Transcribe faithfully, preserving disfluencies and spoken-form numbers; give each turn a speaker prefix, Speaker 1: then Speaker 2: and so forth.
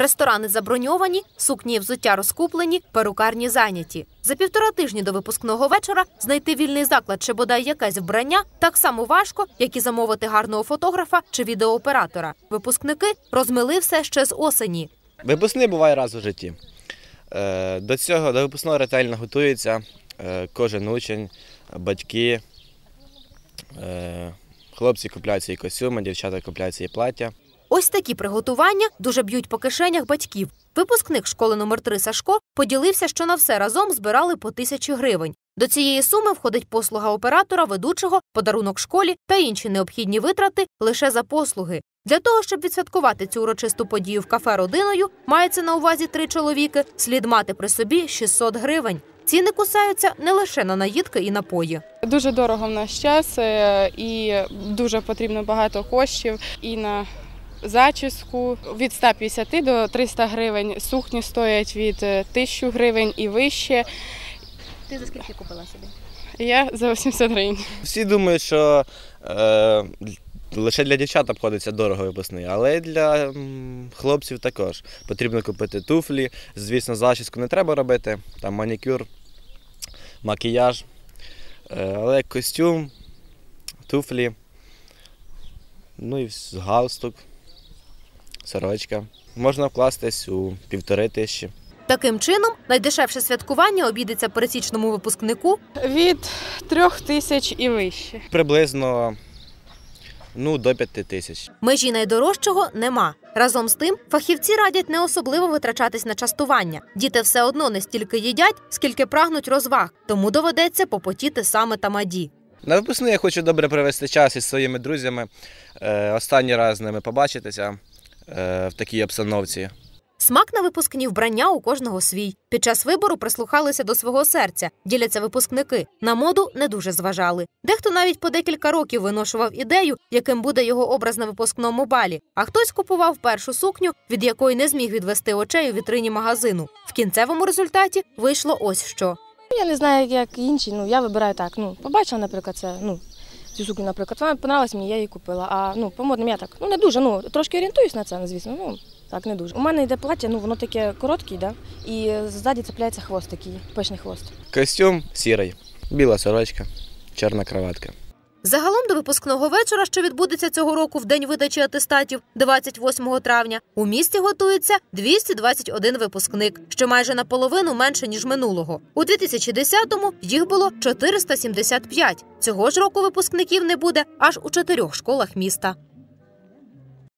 Speaker 1: Ресторани заброньовані, сукні і взуття розкуплені, перукарні зайняті. За півтора тижні до випускного вечора знайти вільний заклад чи бодай якесь вбрання так само важко, як і замовити гарного фотографа чи відеооператора. Випускники розмили все ще з осені.
Speaker 2: Випускний буває раз у житті. До цього, до випускного ретельно готується кожен учень, батьки. Хлопці купляють свої костюми, дівчата купляють свої плаття.
Speaker 1: Ось такі приготування дуже б'ють по кишенях батьків. Випускник школи номер три Сашко поділився, що на все разом збирали по тисячі гривень. До цієї суми входить послуга оператора, ведучого, подарунок школі та інші необхідні витрати лише за послуги. Для того, щоб відсвяткувати цю урочисту подію в кафе родиною, мається на увазі три чоловіки, слід мати при собі шістсот гривень. Ціни кусаються не лише на наїдки і напої.
Speaker 3: Дуже дорого в наш час і дуже потрібно багато коштів і на зачіску від ста п'ятдесяти до трьохсот гривень, сукні стоять від тисячі гривень і вище.
Speaker 1: Ти за скільки купила собі?
Speaker 3: Я за вісімсот гривень.
Speaker 2: Всі думають, що е, лише для дівчат обходиться дорого випускний, але і для м, хлопців також. Потрібно купити туфлі, звісно, зачіску не треба робити, там манікюр, макіяж, е, але костюм, туфлі, ну і галстук, сорочка. Можна вкластись у півтори тисячі.
Speaker 1: Таким чином, найдешевше святкування обійдеться пересічному випускнику
Speaker 3: від трьох тисяч і вище.
Speaker 2: Приблизно ну, до п'яти тисяч.
Speaker 1: Межі найдорожчого нема. Разом з тим, фахівці радять не особливо витрачатись на частування. Діти все одно не стільки їдять, скільки прагнуть розваг, тому доведеться попотіти саме тамаді.
Speaker 2: На випускний я хочу добре провести час із своїми друзями, е, останній раз з ними побачитися е, в такій обстановці.
Speaker 1: Смак на випускні вбрання у кожного свій. Під час вибору прислухалися до свого серця, діляться випускники. На моду не дуже зважали. Дехто навіть по декілька років виношував ідею, яким буде його образ на випускному балі. А хтось купував першу сукню, від якої не зміг відвести очей у вітрині магазину. В кінцевому результаті вийшло ось що.
Speaker 4: Я не знаю, як інші, ну я вибираю так. Ну, побачила, наприклад, це, ну, цю сукню, наприклад, вона подобалась мені, я її купила. А ну, по модним я так, ну не дуже, ну трошки орієнтуюсь на це, звісно, ну так не дуже. У мене йде плаття, ну воно таке коротке, да? І ззаді цепляється хвост такий, пишний хвост.
Speaker 2: Костюм сірий, біла сорочка, чорна краватка.
Speaker 1: Загалом до випускного вечора, що відбудеться цього року в день видачі атестатів, двадцять восьмого травня, у місті готується двісті двадцять один випускник, що майже наполовину менше, ніж минулого. У дві тисячі десятому їх було чотириста сімдесят п'ять. Цього ж року випускників не буде аж у чотирьох школах міста.